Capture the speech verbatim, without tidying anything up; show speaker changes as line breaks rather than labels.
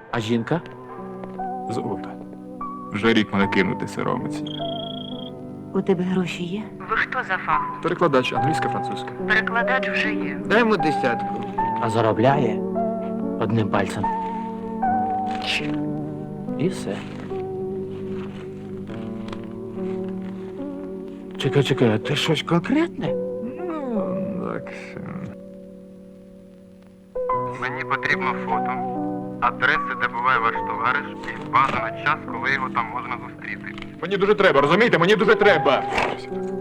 А жінка?
Золота. Вже рік мене кинути соромиться.
У тебе гроші є?
Ви хто за фахом?
Перекладач англійська, французька.
Перекладач вже є.
Дай йому десятку.
А заробляє одним пальцем. І все. Чекай, чекай, а ти щось конкретне?
Ну, так.
Мені потрібно фото, адреси, де буває ваш товариш, і бажано час, коли його там можна зустріти.
Мені дуже треба, розумієте? Мені дуже треба.